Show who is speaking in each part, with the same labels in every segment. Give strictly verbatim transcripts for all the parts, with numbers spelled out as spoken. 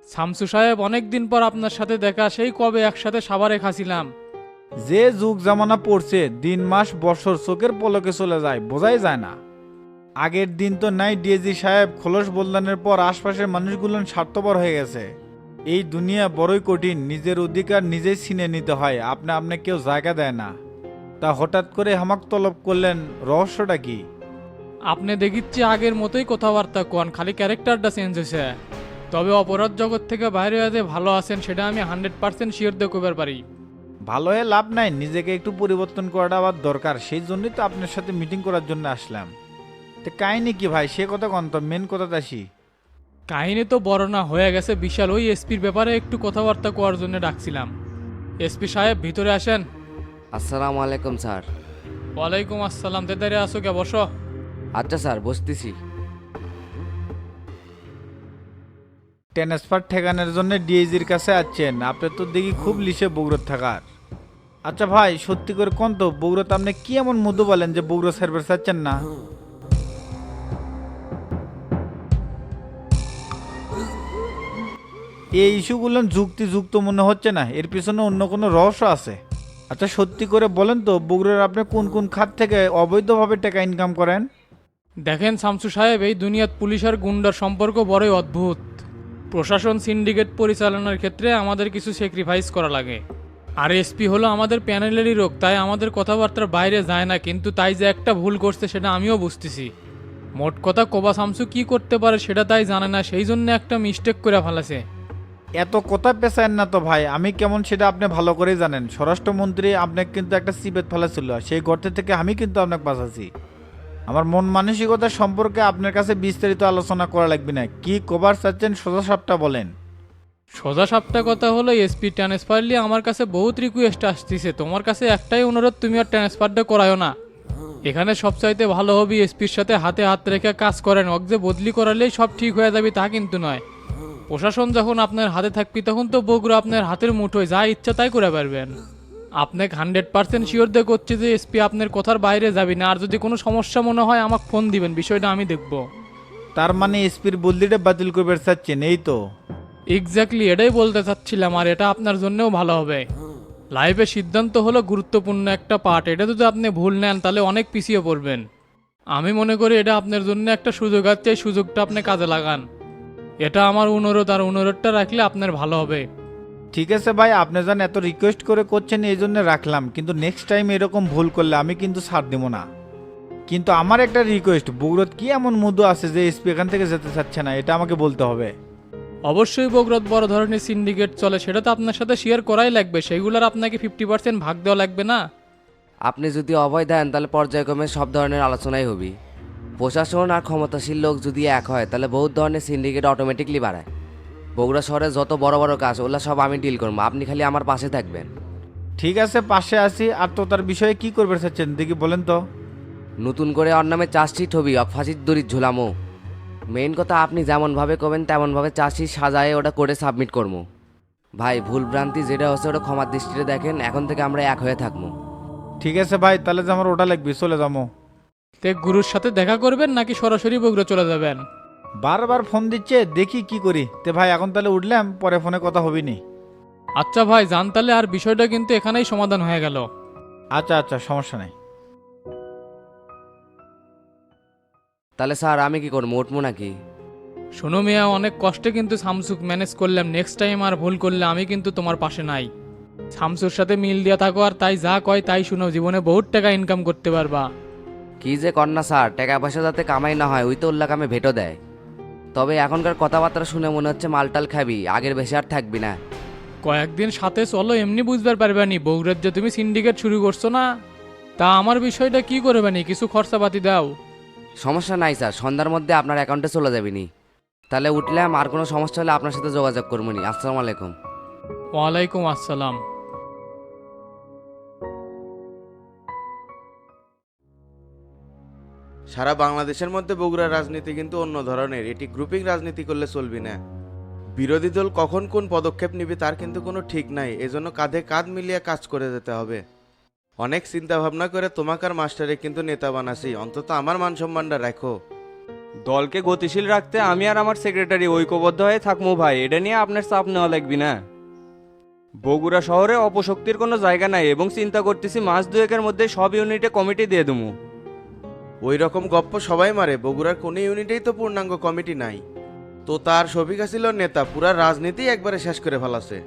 Speaker 1: শামসু সাহেব, অনেক দিন পর আপনার সাথে দেখা, সেই কবে একসাথে সাভারে খাছিলাম।
Speaker 2: যে যুগ জামানা পড়ছে, দিন মাস বছর চোখের পলকে চলে যায়, বোঝাই যায় না। আগের দিন তো নাই ডিএজি সাহেব খোলস বদলানোর পর আশপাশের মানুষগুলো স্বার্থপর হয়ে গেছে। এই দুনিয়া বড়ই কঠিন, নিজের অধিকার নিজেই ছিনে নিতে হয়, আপনি আপনি কেউ জায়গা দেয় না। তা হঠাৎ করে হামাক তলব করলেন, রহস্যটা কি?
Speaker 1: আপনি দেখিচ্ছি আগের মতোই কথাবার্তা কোন, খালি ক্যারেক্টারটা চেঞ্জ হয়েছে। তবে অপরাধ জগৎ থেকে বাইরে হয়ে যে ভালো আছেন সেটা আমি হান্ড্রেড পার্সেন্ট শিওর দিয়ে কবার পারি।
Speaker 2: ভালো হয়ে লাভ নাই, নিজেকে একটু পরিবর্তন করাটা আবার দরকার, সেই জন্যই তো আপনার সাথে মিটিং করার জন্য আসলাম। তো কাহিনী কি ভাই, সে কথা কন তো, মেন কথাতে আসি।
Speaker 1: কাহিনী তো বড় না হয়ে গেছে বিশাল, ওই এসপির ব্যাপারে একটু কথাবার্তা কোয়ার জন্য ডাকছিলাম। এসপি সাহেব ভিতরে আসেন।
Speaker 3: আসসালামু আলাইকুম স্যার।
Speaker 1: ওয়ালাইকুম আসসালাম, তেদারে আসো কে, বসো।
Speaker 3: আচ্ছা স্যার, বসতেছি।
Speaker 2: ট্রান্সফার ঠেকানোর জন্য ডিএজির কাছে আসছেন, আপনি তো দেখি খুব লিসে বগুড়াত থাকার। আচ্ছা ভাই, সত্যি করে কোন তো, বগুড়াতে আপনি কি এমন মধু বলেন যে বগুড়া সার্ভিস চাচ্ছেন না? এই ইস্যুগুলো যুক্তিযুক্ত মনে হচ্ছে না, এর পিছনে অন্য কোনো রহস্য আছে। আচ্ছা সত্যি করে বলেন তো, বগুড়ার আপনি কোন কোন খাত থেকে অবৈধভাবে টাকা ইনকাম করেন?
Speaker 1: দেখেন শামসু সাহেব, এই দুনিয়াত পুলিশ আর গুন্ডার সম্পর্ক বড়ই অদ্ভুত। প্রশাসন সিন্ডিকেট পরিচালনার ক্ষেত্রে আমাদের কিছু স্যাক্রিফাইস করা লাগে। আর এসপি হলো আমাদের প্যানেলেরই লোক, তাই আমাদের কথাবার্তার বাইরে যায় না, কিন্তু তাই যে একটা ভুল করছে সেটা আমিও বুঝতেছি। মোট কথা কোবা শামসু কি করতে পারে সেটা তাই জানে না, সেই জন্য একটা মিস্টেক করে ফেলেছে।
Speaker 2: এত কথা পেছায়েন না তো ভাই, আমি কেমন সেটা আপনি ভালো করেই জানেন। স্বরাষ্ট্রমন্ত্রী আপনাকে কিন্তু একটা সিবেত ফেলেছিল, সেই গর্তে থেকে আমি কিন্তু আপনাকে বাঁচাছি। আমার মন মানসিকতা সম্পর্কে আপনার কাছে বিস্তারিত আলোচনা করা লাগবে না, কি কভার চাচ্ছেন সোজা সাপটা বলেন।
Speaker 1: সোজা সাপটা কথা হলো, এসপি ট্রান্সফারলি আমার কাছে বহুত রিকোয়েস্ট আসতেছে, তোমার কাছে একটাই অনুরোধ, তুমি আর ট্রান্সফারটা করায়ও না। এখানে সবচাইতে ভালো হবে এসপির সাথে হাতে হাত রেখে কাজ করেন, অক যে বদলি করালেই সব ঠিক হয়ে যাবে তা কিন্তু নয়। প্রশাসন যখন আপনার হাতে থাকবি তখন তো বগুড়া আপনার হাতের মুঠোয়, যা ইচ্ছা তাই করে পারবেন। আপনাকে হান্ড্রেড পার্সেন্ট শিওর দিয়ে করছে যে এসপি আপনার কথার বাইরে যাবি না, আর যদি কোনো সমস্যা মনে হয় আমাকে ফোন দিবেন, বিষয়টা আমি দেখব।
Speaker 2: তার মানে এসপির বদলিটা বাতিল করবে চাচ্ছেন, এই তো?
Speaker 1: এক্স্যাক্টলি এটাই বলতে চাচ্ছিলাম, আর এটা আপনার জন্যও ভালো হবে। লাইফে সিদ্ধান্ত হলো গুরুত্বপূর্ণ একটা পার্ট, এটা যদি আপনি ভুল নেন তাহলে অনেক পিছিয়ে পড়বেন। আমি মনে করি এটা আপনার জন্য একটা সুযোগ আছে, এই সুযোগটা আপনি কাজে লাগান। এটা আমার অনুরোধ, আর অনুরোধটা রাখলে আপনার ভালো হবে।
Speaker 2: ঠিক আছে ভাই, আপনি যান এত রিকোয়েস্ট করে করছেন এই জন্য রাখলাম, কিন্তু নেক্সট টাইম এরকম ভুল করলে আমি কিন্তু ছাড় দেবো না। কিন্তু আমার একটা রিকোয়েস্ট, বগুড়াত কি এমন মুদ্দু আছে যে এসপি এখান থেকে যেতে চাচ্ছে না, এটা আমাকে বলতে হবে।
Speaker 1: অবশ্যই বগুড়াত বড় ধরনের সিন্ডিকেট চলে, সেটা তো আপনার সাথে শেয়ার করাই লাগবে, সেইগুলোর আপনাকে ফিফটি পার্সেন্ট ভাগ দেওয়া লাগবে না।
Speaker 3: আপনি যদি অভয় দেন তাহলে পর্যায়ক্রমে সব ধরনের আলোচনাই হবে। প্রশাসন আর ক্ষমতাশীল লোক যদি এক হয় তাহলে বহুত ধরনের সিন্ডিকেট অটোমেটিকলি বাড়ায়। বগুড়া শহরে যত বড় বড় কাজ ওগুলো সব আমি ডিল করবো, আপনি খালি আমার পাশে থাকবেন।
Speaker 2: ঠিক আছে, পাশে আসি। আর তো তার বিষয়ে কি করবে চাচ্ছেন দেখি বলেন তো।
Speaker 3: নতুন করে ওর নামে চার্জশিট হবি, অক ফাঁসির দড়ির ঝুলামো। মেইন কথা আপনি যেমনভাবে করবেন তেমনভাবে চার্জশিট সাজায় ওটা করে সাবমিট করবো। ভাই ভুল ভ্রান্তি যেটা হচ্ছে ওটা ক্ষমার দৃষ্টিতে দেখেন, এখন থেকে আমরা এক হয়ে থাকবো।
Speaker 2: ঠিক আছে ভাই, তাহলে যে আমার ওটা লাগবে, চলে যাবো।
Speaker 1: তে গুরুর সাথে দেখা করবেন নাকি সরাসরি বগুড়া চলে যাবেন?
Speaker 2: বারবার ফোন দিচ্ছে, দেখি কি করি। তে ভাই এখন তাহলে উঠলাম, পরে ফোনে কথা হবি নি।
Speaker 1: আচ্ছা ভাই জান, তাহলে আর বিষয়টা কিন্তু এখানেই সমাধান হয়ে গেল।
Speaker 2: আচ্ছা আচ্ছা, সমস্যা নেই।
Speaker 3: তাহলে স্যার আমি কি করবো, উঠবো নাকি?
Speaker 1: শোনো মিয়া, অনেক কষ্টে কিন্তু শামসুক ম্যানেজ করলাম, নেক্সট টাইম আর ভুল করলে আমি কিন্তু তোমার পাশে নাই। শামসুর সাথে মিল দিয়া থাকো, আর তাই যা কয় তাই শুনো, জীবনে বহুত টাকা ইনকাম করতে পারবা।
Speaker 3: কি যে কর না স্যার, টাকা পয়সা যাতে কামাই না হয় ওই তো উল্লাহ কামে ভেটো দেয়। তবে এখনকার কথাবার্তা শুনে মনে হচ্ছে মালটাল খাবি, আগের বেশি আর থাকবি না।
Speaker 1: কয়েকদিন সাথে চলো, এমনি বুঝবার পারবানি বগুড়ার যে তুমি সিন্ডিকেট শুরু করছো না। তা আমার বিষয়টা কি করবানি, কিছু খরচাপাতি দাও।
Speaker 3: সমস্যা নাই স্যার, সন্ধ্যার মধ্যে আপনার অ্যাকাউন্টে চলে যাবিনি। তাহলে উঠলাম, আর কোনো সমস্যা হলে আপনার সাথে যোগাযোগ করবো নি। আসসালামু আলাইকুম।
Speaker 1: ওয়ালাইকুম আসসালাম।
Speaker 4: সারা বাংলাদেশের মধ্যে বগুড়ার রাজনীতি কিন্তু অন্য ধরনের, এটি গ্রুপিং রাজনীতি করলে চলবি না। বিরোধী দল কখন কোন পদক্ষেপ নিবে তার কিন্তু কোনো ঠিক নাই, এজন্য কাঁধে কাঁধ মিলিয়ে কাজ করে যেতে হবে। অনেক চিন্তা ভাবনা করে তোমাকার মাস্টারে কিন্তু নেতা বানাসি, অন্তত আমার মান সম্মানটা রাখো।
Speaker 5: দলকে গতিশীল রাখতে আমি আর আমার সেক্রেটারি ঐক্যবদ্ধ হয়ে থাকবো ভাই, এটা নিয়ে আপনার চাপ নেওয়া লাগবে না। বগুড়া শহরে অপশক্তির কোনো জায়গা নাই এবং চিন্তা করতেছি মাস দুয়েকের মধ্যে সব ইউনিটে কমিটি দিয়ে দেবো।
Speaker 4: ওই রকম গপ্প সবাই মারে, বগুড়ার কোনো ইউনিটেই তো পূর্ণাঙ্গ কমিটি নাই। তো তার শফিকা ছিল নেতা, পুরা রাজনীতি একবারে শেষ করে ফেলাছে।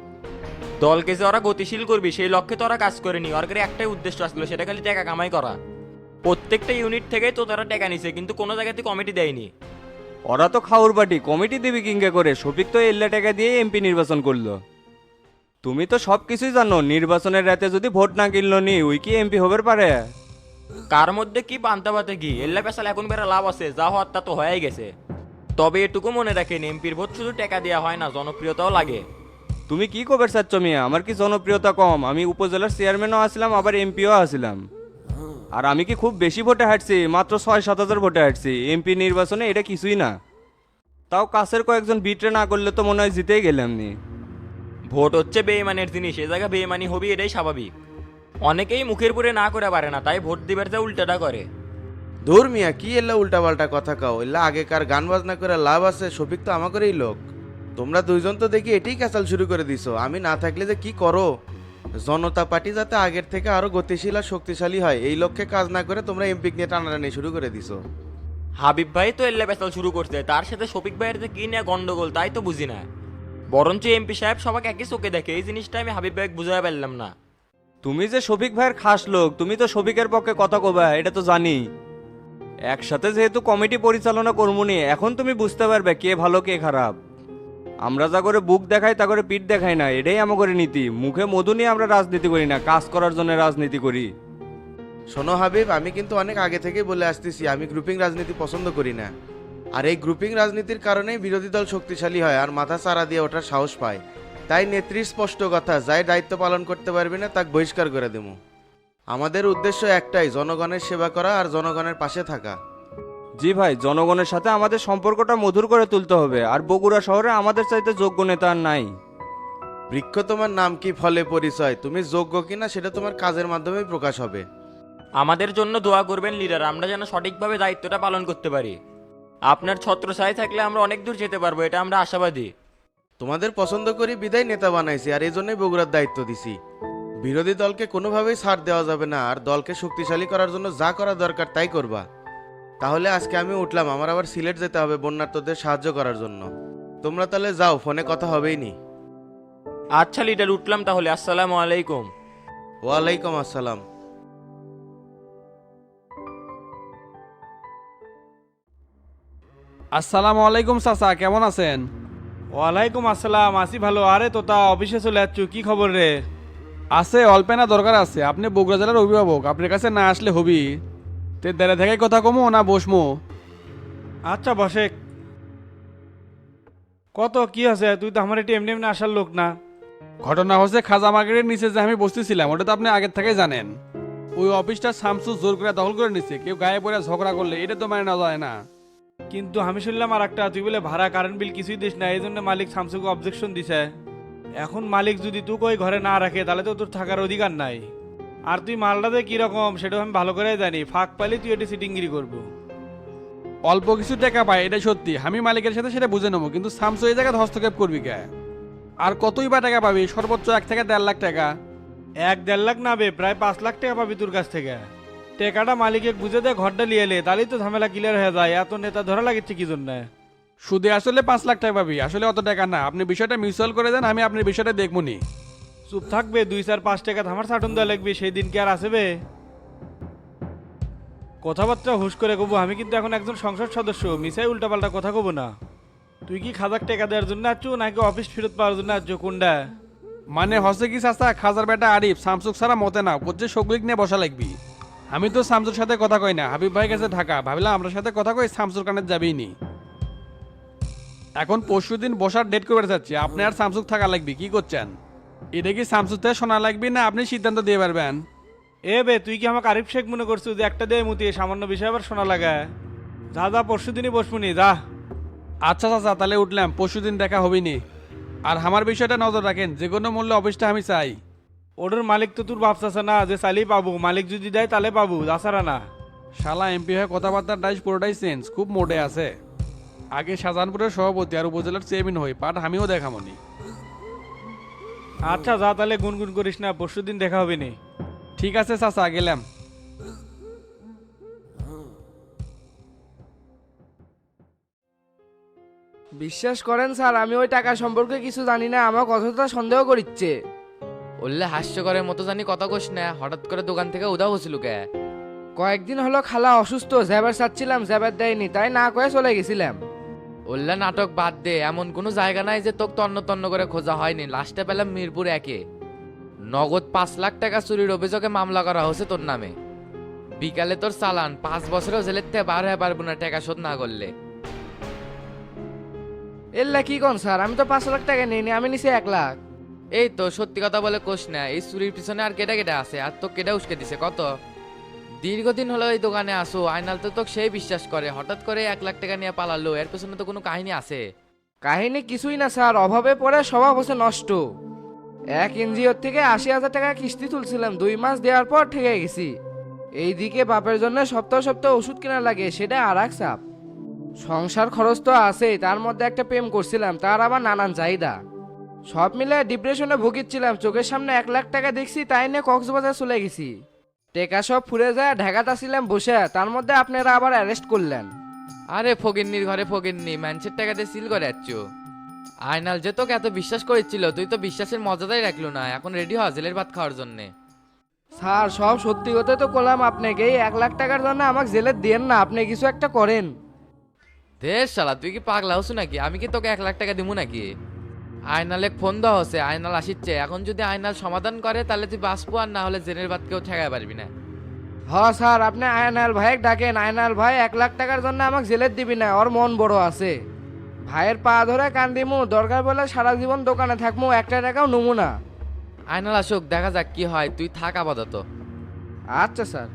Speaker 6: দলকে যে ওরা গতিশীল করবি সেই লক্ষ্যে তো ওরা কাজ করেনি, ওর কাছে একটাই উদ্দেশ্য আসলো, সেটা খালি টাকা কামাই করা। প্রত্যেকটা ইউনিট থেকেই তো তারা টাকা নিছে, কিন্তু কোনো জায়গাতে কমিটি দেয়নি।
Speaker 5: ওরা তো খাউর বাটি, কমিটি দিবি কিংকে করে? শফিক তো এল্লা টাকা দিয়ে এমপি নির্বাচন করলো। তুমি তো সব কিছুই জানো, নির্বাচনের রাতে যদি ভোট না কিনলো নি ওই কি এমপি হবার পারে?
Speaker 6: কার মধ্যে কি পান্তা পাতে কি, এল্লা পেশাল এখন বেড়া লাভ আছে, যা হওয়ার তা তো হয়েই গেছে। তবে এটুকু মনে রাখেন, এমপির ভোট শুধু টাকা দেওয়া হয় না, জনপ্রিয়তাও লাগে।
Speaker 5: তুমি কি কবে চাচ্ছ মিয়া? আমার কি জনপ্রিয়তা কম? আমি উপজেলার চেয়ারম্যানও আসলাম, আবার এমপিও আসলাম। আর আমি কি খুব বেশি ভোটে হাঁটছি? মাত্র ছয় সাত হাজার ভোটে হাঁটছি। এমপি নির্বাচনে এটা কিছুই না। তাও কাছের কয়েকজন বিটরে না করলে তো মনে হয় জিতেই গেলাম নি।
Speaker 6: ভোট হচ্ছে বেইমানের জিনিস, এ জায়গা বেইমানি হবি, এটাই স্বাভাবিক। অনেকেই মুখের পুরে না করে পারে না, তাই ভোট দিবার যা উল্টাটা করে।
Speaker 4: ধুর মিয়া, কি এল্লা উল্টাপাল্টা কথা কাও, এল্লা আগেকার গান বাজনা করে লাভ আছে? শফিক তো আমাকেরই লোক। তোমরা দুইজন তো দেখি এটাই কাঁচাল শুরু করে দিছো, আমি না থাকলে যে কি করো। জনতা পার্টি যাতে আগের থেকে আরো গতিশীল আর শক্তিশালী হয়, এই লক্ষ্যে কাজ না করে তোমরা এমপি নিয়ে টানাটানি শুরু করে দিছো।
Speaker 6: হাবিব ভাই তো এল্লা পেশাল শুরু করছে, তার সাথে শফিক ভাইয়ের যে কি নিয়ে গন্ডগোল তাই তো বুঝি না। বরঞ্চ এমপি সাহেব সবাইকে একই চোখে দেখে, এই জিনিসটা আমি হাবিব ভাইকে বুঝাই পারলাম না।
Speaker 5: তুমি যে শফিক ভাইয়ের খাস লোক, তুমি তো শফিকের পক্ষে কথা কবা, এটা তো জানি। একসাথে যেহেতু কমিটি পরিচালনা করবনি, এখন তুমি বুঝতে পারবে কে ভালো কে খারাপ। আমরা যা করে বুক দেখাই তা করে পিঠ দেখাই না, এটাই আমার নীতি। মুখে মধু নিয়ে আমরা রাজনীতি করি না, কাজ করার জন্য রাজনীতি করি।
Speaker 4: শোনো হাবিব, আমি কিন্তু অনেক আগে থেকেই বলে আসতেছি আমি গ্রুপিং রাজনীতি পছন্দ করি না। আর এই গ্রুপিং রাজনীতির কারণেই বিরোধী দল শক্তিশালী হয় আর মাথা চারা দিয়ে ওঠার সাহস পায়। তাই নেত্রীর স্পষ্ট কথা, যাই দায়িত্ব পালন করতে পারবি না তাকে বহিষ্কার করে দেবো। আমাদের উদ্দেশ্য একটাই, জনগণের সেবা করা আর জনগণের পাশে থাকা।
Speaker 5: জি ভাই, জনগণের সাথে আমাদের সম্পর্কটা মধুর করে তুলতে হবে। আর বগুড়া শহরে আমাদের চাইতে যোগ্য নেতা আর নাই।
Speaker 4: বৃক্ষ তোমার নাম কি, ফলে পরিচয়। তুমি যোগ্য কিনা সেটা তোমার কাজের মাধ্যমেই প্রকাশ হবে।
Speaker 6: আমাদের জন্য দোয়া করবেন লিডার, আমরা যেন সঠিকভাবে দায়িত্বটা পালন করতে পারি। আপনার ছত্রছায়া থাকলে আমরা অনেক দূর যেতে পারবো, এটা আমরা আশাবাদী।
Speaker 4: তোমাদের পছন্দ করি বিদায় নেতা বানাইছি, আর এই জন্যই বগুড়ার দায়িত্ব দিছি। বিরোধী দলকে কোনোভাবেই ছাড় দেওয়া যাবে না, আর দলকে শক্তিশালী করার জন্য যা করা দরকার তাই করবা। তাহলে আজকে আমি উঠলাম, আমার আবার সিলেট যেতে হবে বন্যার্তদের সাহায্য করার জন্য। তোমরা তাহলে যাও, ফোনে কথা হবেই নি।
Speaker 6: আচ্ছা লিডার, উঠলাম তাহলে, আসসালামু আলাইকুম।
Speaker 4: ওয়ালাইকুম আসসালাম।
Speaker 7: আসসালামু আলাইকুম চাচা, কেমন আছেন?
Speaker 2: ওয়ালাইকুম আসসালাম, আসি ভালো। আরে তোতা অফিসে চলে যাচ্ছ, কি খবর রে?
Speaker 7: আছে, অল্পেনা দরকার আছে। আপনি বগুড়া জেলার অভিভাবক, আপনার কাছে না আসলে হবি। তে দেড়ে থেকে কথা কমো না বসমো?
Speaker 2: আচ্ছা বসে। কত কি আছে? তুই তো আমার এটি এমনি এমনি আসার লোক না।
Speaker 7: ঘটনা হচ্ছে খাজা মার্কেটের নিচে যে আমি বসতেছিলাম, ওটা তো আপনি আগের থেকে জানেন। ওই অফিসটা শামসু জোর করে দখল করে নিচ্ছে। কেউ গায়ে পড়ে ঝগড়া করলে এটা তো মানে নেওয়া যায় না।
Speaker 2: কিন্তু আমি শুনলাম আর একটা, তুই বলে ভাড়া কারেন্ট বিল কিছুই দিস না, এই জন্য মালিক শামসুকে অবজেকশন দিছে। এখন মালিক যদি তুই ওই ঘরে না রাখে তাহলে তো তোর থাকার অধিকার নাই। আর তুই মালটাতে কিরকম সেটাও আমি ভালো করে জানি, ফাঁক পাইলে তুই এটি সিটিংগিরি করবো।
Speaker 7: অল্প কিছু টাকা পায় এটা সত্যি, আমি মালিকের সাথে সেটা বুঝে নেবো, কিন্তু শামসু এই জায়গায় হস্তক্ষেপ করবি কে? আর কতই বা টাকা পাবি? সর্বোচ্চ এক থেকে দেড় লাখ টাকা।
Speaker 2: এক দেড় লাখ না বে, প্রায় পাঁচ লাখ টাকা পাবি তোর কাছ থেকে। টাকাটা মালিকে বুঝে দে, ঘরটা লিয়ে এলে তাহলেই তো ঝামেলা ক্লিয়ার হয়ে যায়। এত নেতা ধরা লাগছে কি জন্য?
Speaker 7: সুদে আসলে পাঁচ লাখ টাকা পাবি, আসলে অত টাকা না। আপনি বিষয়টা মিউচুয়াল করে দেন, আমি আপনার বিষয়টা দেখবো নি।
Speaker 2: চুপ থাকবে, দুই চার পাঁচ টাকা ধামার সাটন দেওয়া লাগবে, সেই দিন কি আর আসবে? কথাবার্তা হুশ করে কবো, আমি কিন্তু এখন একজন সংসদ সদস্য, মিসাই উল্টাপাল্টা কথা কব না। তুই কি খাজাক টাকা দেওয়ার জন্য আছো নাকি অফিস ফেরত পাওয়ার জন্য আছো, কোনটা?
Speaker 7: মানে হচ্ছে কি চাচা, খাজার বেটা আরিফ শামসুক ছাড়া মতে না, করছে সগলিক নিয়ে বসা লাগবি। আমি তো শামসুর সাথে কথা কই না, হাবিব ভাই গেছে ঢাকা, ভাবলাম আপনার সাথে কথা কই, শামসুর কানে যাবেই নি। এখন পরশু দিন বসার ডেট করে যাচ্ছি, আপনি আর শামসুক থাকা লাগবি, কি করছেন? এটা কি শামসুর থেকে শোনা লাগবে না আপনি সিদ্ধান্ত দিয়ে পারবেন?
Speaker 2: এ বে, তুই কি আমাকে আরিফ শেখ মনে করছিস যে একটা দিয়ে মুতিয়ে সামান্য বিষয় আবার শোনা লাগা? যা যা, পরশু দিনই বসবুনি, যা।
Speaker 7: আচ্ছা চাচা, তাহলে উঠলাম, পরশু দিন দেখা হবিনি। আর আমার বিষয়টা নজর রাখেন, যে কোনো মূল্যে অফিসটা আমি চাই।
Speaker 2: ওটার মালিক তো তোর বাপ চাচা না যে চাইলেই পাবো, মালিক যদি দেয় তাহলে পাবো, তাছাড়া না।
Speaker 7: শালা এমপি হয়ে কথাবার্তার ডাইস পুরোটাই চেঞ্জ, খুব মোটে আছে। আগে শাহজাহানপুরের সভাপতি আর উপজেলার চেয়ারম্যান হই, পাট আমিও দেখামনি।
Speaker 2: আচ্ছা যা তাহলে গুনগুন করিস না, পরশু দিন দেখা হবে নি।
Speaker 7: ঠিক আছে চাচা, গেলাম।
Speaker 8: বিশ্বাস করেন স্যার, আমি ওই টাকা সম্পর্কে কিছু জানি না, আমার কথাটা সন্দেহ করিচ্ছে।
Speaker 3: বললে হাস্যকরের মতো জানি কথা কোস না, হঠাৎ করে দোকান থেকে উধাও হচ্ছিল কে?
Speaker 8: কয়েকদিন হলো খালা অসুস্থ, জ্যাবার চাচ্ছিলাম, জ্যাবার দেয়নি, তাই না কয়ে চলে গেছিলাম।
Speaker 3: বললে নাটক বাদ দে, এমন কোনো জায়গা নাই যে তোকে তন্ন তন্ন করে খোঁজা হয়নি। লাস্টে পেলাম মিরপুর একে, নগদ পাঁচ লাখ টাকা চুরির অভিযোগে মামলা করা হয়েছে তোর নামে। বিকালে তোর চালান, পাঁচ বছরেও জেলের থেকে বার হয়ে পারবো না টাকা শোধ না করলে।
Speaker 8: এল্লা কি কোন স্যার, আমি তো পাঁচ লাখ টাকা নিইনি, আমি নিছি এক লাখ।
Speaker 3: এই তো সত্যি কথা বলে কোষ না, এই চুরির পিছনে আর কেটে কেটে আছে, আর তো কেটে উস্কে দিছে কত। দীর্ঘদিন হলো এই দোকানে আসো, আয়নাল তো তোকে সেই বিশ্বাস করে, হঠাৎ করে এক লাখ টাকা নিয়ে পালালো, এর পেছনে তো কোনো কাহিনী আছে।
Speaker 8: কাহিনী কিছুই না স্যার, অভাবে পড়ে স্বভাব হচ্ছে নষ্ট। এক এনজিওর থেকে আশি হাজার টাকা কিস্তি তুলছিলাম, দুই মাস দেওয়ার পর ঠেকে গেছি। এইদিকে বাপের জন্য সপ্তাহ সপ্তাহ ওষুধ কেনা লাগে, সেটা আর এক চাপ। সংসার খরচ তো আছেই, তার মধ্যে একটা প্রেম করছিলাম, তার আবার নানান চাহিদা। সব মিলে ডিপ্রেশনে ভুগিচ্ছিলাম, চোখের সামনে এক লাখ টাকা দেখছি, তাই নিয়ে কক্সবাজার চলে গেছি। টেকা সব ফুরে যায়, ঢাকাতে আসছিলাম বসে, তার মধ্যে আপনারা আবার অ্যারেস্ট করলেন।
Speaker 3: আরে ফকিন্নির ঘরে ফকিন্নি, ম্যানসের টাকাতে সিল করে যাচ্ছ। আয়নাল যে তোকে এত বিশ্বাস করেছিল, তুই তো বিশ্বাসের মজাটাই রাখলো না, এখন রেডি হ জেলের ভাত খাওয়ার জন্যে।
Speaker 8: স্যার সব সত্যি কথা তো করলাম আপনাকে, এই এক লাখ টাকার জন্য আমাকে জেলে দেন না, আপনি কিছু একটা করেন।
Speaker 3: দেশ শালা, তুই কি পাগলা হচ্ছ নাকি? আমি কি তোকে এক লাখ টাকা দিব নাকি? আয়নালে ফোন দেওয়া হচ্ছে, আয়নাল আসিচ্ছে, এখন যদি আয়নাল সমাধান করে তাহলে তুই বাঁচবো, আর না হলে জেনের ভাত কেউ ঠেকাতে পারবি না।
Speaker 8: হ স্যার, আপনি আয়নাল ভাইকে ডাকেন, আয়নাল ভাই এক লাখ টাকার জন্য আমাকে জেলে দিবি না, ওর মন বড় আছে। ভাইয়ের পা ধরে কান্দিমু, দরকার বলে সারা জীবন দোকানে থাকমু, একটা টাকাও নমু না।
Speaker 3: আয়নাল আসুক, দেখা যাক কি হয়, তুই থাক আপাতত।
Speaker 8: আচ্ছা স্যার।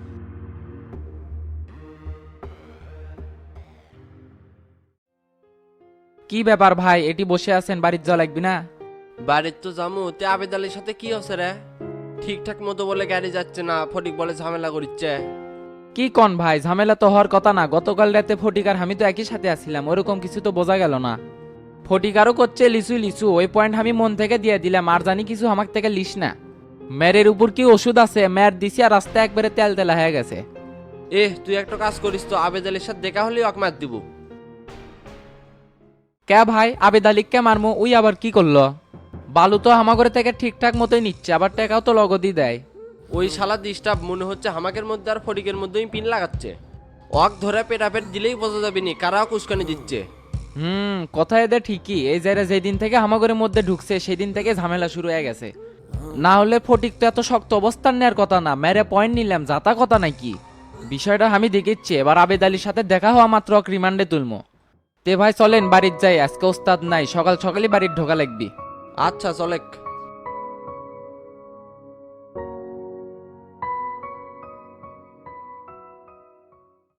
Speaker 9: কি ব্যাপার ভাই, এটি বসে আছেন, বাড়ির জল লাগবি না?
Speaker 10: বাড়ির তো জামু, তে আবেদ আলীর সাথে কি হচ্ছে রে? ঠিকঠাক মতো বলে গাড়ি যাচ্ছে না, ফটিক বলে ঝামেলা করিচ্ছে।
Speaker 9: কি কন ভাই, ঝামেলা তো হওয়ার কথা না। গতকাল রাতে ফটিক আর আমি তো একই সাথে আসছিলাম, ওরকম কিছু তো বোঝা গেল না। ফটিক আরও করছে লিচু লিচু, ওই পয়েন্ট আমি মন থেকে দিয়ে দিলাম, আর জানি কিছু আমার থেকে লিস না। মেয়ের উপর কি ওষুধ আছে, মেয়ের দিছি আর রাস্তা একবারে তেল তেলা হয়ে গেছে।
Speaker 10: এ তুই একটা কাজ করিস তো, আবেদ আলীর সাথে দেখা হলেই অকমাত দিব।
Speaker 9: কে ভাই, আবেদ আলিককে মারমু, ওই আবার কি করলো? বালু তো হামাগরে থেকে ঠিকঠাক মতোই নিচ্ছে, আবার টাকাও তো লগদই দেয়।
Speaker 10: ওই শালা ডিস্টার্ব মনে হচ্ছে হামাকের মধ্যে আর ফটিকের মধ্যেই পিন লাগাচ্ছে। অক ধরে পেটাপেট দিলেই বোঝা যাবে নি কারা কুস্কানি দিচ্ছে।
Speaker 9: হুম, কথা এদের ঠিকই, এই জায়গা যেদিন থেকে হামাগরের মধ্যে ঢুকছে সেদিন থেকে ঝামেলা শুরু হয়ে গেছে। না হলে ফটিক তো এত শক্ত অবস্থান নেওয়ার কথা না, মেরে পয়েন্ট নিলাম, যাতা কথা নাকি। বিষয়টা আমি দেখিচ্ছি, এবার আবেদ আলীর সাথে দেখা হওয়া মাত্র ওকে রিমান্ডে তুলমো। তে ভাই চলেন বাড়ির যাই, আজকে ওস্তাদ নাই, সকাল সকালই বাড়ির ঢোকা লাগবি।
Speaker 10: আচ্ছা চলেক।